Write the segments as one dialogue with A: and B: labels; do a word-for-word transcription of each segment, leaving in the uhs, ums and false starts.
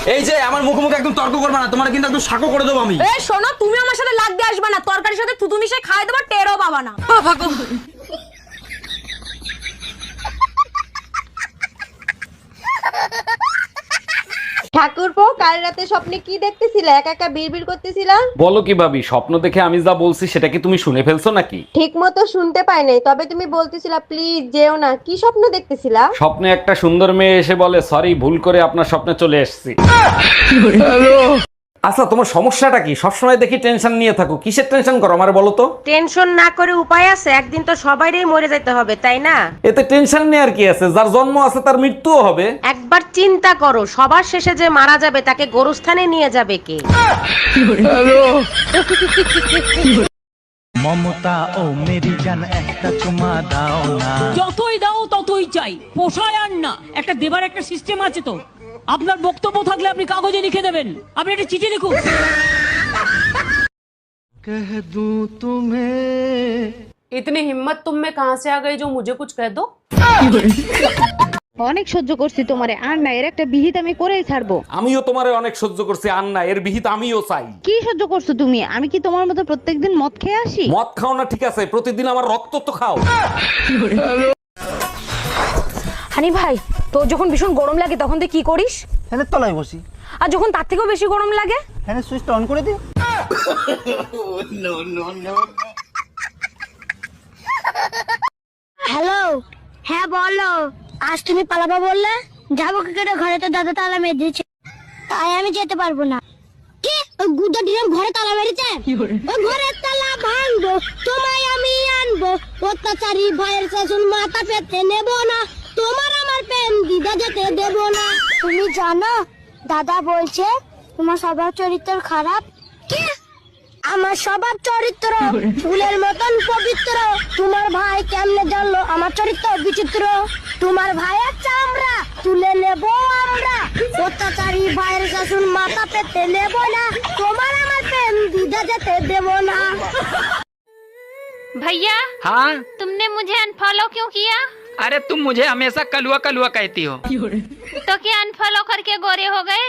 A: এই যে আমার মুখে মুখে একদম তর্ক করবে না, তোমার কিন্তু একদম শাকও করে দেবো আমি।
B: এই শোনো, তুমি আমার সাথে লাগতে আসবে না, তরকারির সাথে থুতু মিশিয়ে খাই দেবো, টেরও পাবা না।
C: ঠাকুরপো, কাল রাতে স্বপ্নে কি দেখতেছিলে? একা একা বিড়বিড় করতেছিলা?
D: বলো কি ভাবি, স্বপ্ন দেখে আমি যা বলছি সেটা কি তুমি শুনে ফেলছো নাকি?
C: ঠিক মতো শুনতে পাই নাই, তবে তুমি বলতেছিলা প্লিজ যেও না। কি স্বপ্ন দেখতেছিলা?
D: স্বপ্নে একটা সুন্দর মেয়ে এসে বলে সরি, ভুল করে আপনার স্বপ্নে চলে এসেছি। আচ্ছা, তোমার সমস্যাটা কি? সবসময় দেখি টেনশন নিয়ে থাকো, কিসের টেনশন করো আমার বলো তো?
E: টেনশন না করে উপায় আছে? একদিন তো সবাইরই মরে যেতে হবে, তাই না?
D: এতে টেনশন নেই আর কি আছে, যার জন্ম আছে তার মৃত্যুও হবে।
E: একবার চিন্তা করো, সবার শেষে যে মারা যাবে তাকে গোরস্থানে নিয়ে যাবে কে?
F: মমতা ও মেরি জান একটা চুমা দাও না।
G: যতই দাও ততই চাই, পোষায় আর না। একটা দেবার একটা সিস্টেম আছে তো। আপনার বক্তব্য থাকলে আপনি কাগজে লিখে দেবেন, আপনি একটা চিঠি লিখুন।
F: कह दूं तुम्हें
H: इतनी हिम्मत तुम में कहां से आ गई जो मुझे कुछ कह दो?
I: অনেক সহ্য করছি তোমারে, আর না এর একটা বিহিত আমি করেই ছাড়বো।
D: আমিও তোমারে অনেক সহ্য করছি, আর না এর বিহিত আমিও চাই।
I: কি সহ্য করছো তুমি? আমি কি তোমার মতো প্রত্যেকদিন মদ খেয়ে আসি?
D: মদ খাও না ঠিক আছে, প্রতিদিন আমার রক্ত তো খাও।
B: হানি ভাই, তোর যখন ভীষণ গরম লাগে তখন তুই কি করিস?
F: ফ্যানের তলায় বসি।
B: আর যখন তার থেকেও বেশি গরম লাগে?
F: ফ্যানের সুইচটা অন করে দিই।
J: হ্যালো, হ্যাঁ বলো। আজ তুমি পালাবা বললে, যাবো কি করে? ঘরে তো দাদা তালা মেরে দিয়েছে, তাই আমি যেতে পারবো না। কি ওই গুদা ডিম ঘরে তালা মেরেছে? ওই ঘরের তালা ভাঙবো, তোমায় আমি আনবো। অত্যাচারী ভয়ের শাসন মাথা পেতে নেব না, তোমার আমার প্রেম দিদা যেতে দেব না। তুমি জানো দাদা বলছে তোমার স্বভাব চরিত্র খারাপ। কি? আমার স্বভাব চরিত্র ফুলের মতন পবিত্র। তোমার ভাই কেমনে জানলো আমার চরিত্র বিচিত্র? তোমার ভাইয়ের চামড়া তুলে নেব আমরা, অত্যাচারী ভাইয়ের শাসন মাথা পেতে নেব না, তোমার আমার প্রেম দিদা যেতে দেব না।
K: भैया,
L: हाँ
K: तुमने मुझे अनफॉलो क्यों किया?
L: अरे तुम मुझे हमेशा कलुआ कलुआ कहती हो।
K: तो क्या अनफॉलो करके गोरे हो गए?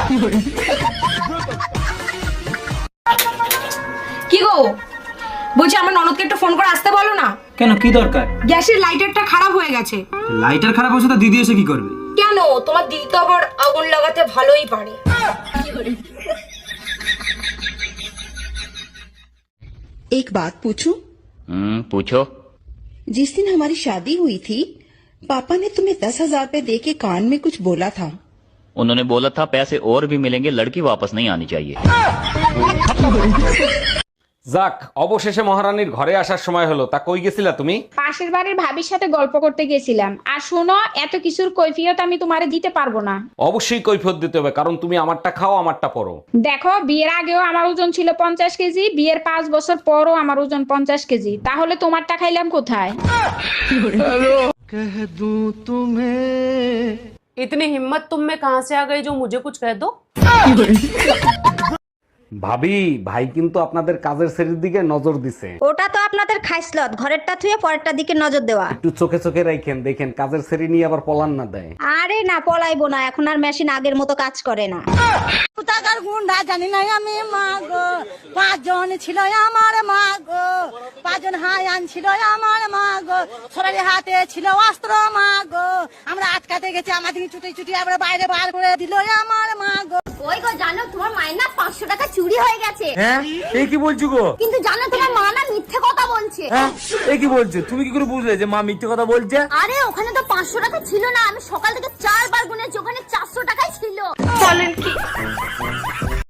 B: কি গো, বলছি আমার ননদকে একটু ফোন করে আসতে বলো না।
A: কেন, কি দরকার?
B: গ্যাসের লাইটারটা খারাপ হয়ে গেছে।
A: লাইটার খারাপ হচ্ছে, তা দিদি এসে কি করবে?
B: কেন, তোমার দিদি তো আবার আগুন লাগাতে ভালোই পারে।
M: एक बात पूछूं?
N: हम्म, पूछो।
M: जिस दिन हमारी शादी हुई थी, पापा ने तुम्हें दस हजार रूपए दे के कान में कुछ बोला था।
N: उन्होंने बोला था पैसे और भी मिलेंगे, लड़की वापस नहीं आनी चाहिए।
D: যাক, অবশেষে মহারানীর ঘরে আসার সময় হলো। তা কই গেছিলা তুমি?
O: পাশের বাড়ির ভাবির সাথে গল্প করতে গেছিলাম। আর শোনো, এত কিছুর কৈফিয়ত আমি তোমারে দিতে পারবো না।
D: অবশ্যই কৈফিয়ত দিতে হবে, কারণ তুমি আমারটা খাও আমারটা পরো।
O: দেখো, বিয়ের আগেও আমার ওজন ছিল পঞ্চাশ কেজি, বিয়ের পাঁচ বছর পরও আমার ওজন পঞ্চাশ কেজি, তাহলে তোমারটা খাইলাম কোথায়?
F: कह दूं तुम्हें
H: इतनी हिम्मत तुम में कहां से आ गई जो मुझे कुछ कह दो?
D: ভাবি, ভাই কিন্তু আপনাদের কাজের শ্রেণীর দিকে নজর দিছে।
C: ওটা তো আপনাদের খাইসলত, ঘরেরটা থুয়ে পরেরটা দিকে নজর দেওয়া।
D: একটু চোখে চোখে রাখেন, দেখেন কাজের শ্রেণী নিয়ে আবার পলান না দেয়।
C: আরে না, পলাইবো না, এখন আর মেশিন আগের মতো কাজ করে না।
J: টাকার গুন্ডা জানি না আমি মা গো, পাঁচজন ছিল আমার মা গো, পাঁচজন হাই আনছিল আমার মা গো, সরারি হাতে ছিল অস্ত্র মা গো, আমরা আটকাতে গেছি, আমাদের ছুটি ছুটি আমরা বাইরে বার করে দিল আমার মা গো।
B: ওই গো, জানো তোমার মায়ের না পাঁচশো টাকা চুরি হয়ে গেছে।
A: হ্যাঁ, এই কি বলছো গো?
B: কিন্তু জানো তোমার মা না মিথ্যে কথা বলছে।
A: হ্যাঁ, এই কি বলছো? তুমি কি করে বুঝলে যে মা মিথ্যে কথা বলছে?
B: আরে ওখানে তো পাঁচশো টাকা ছিল না, আমি সকাল থেকে চা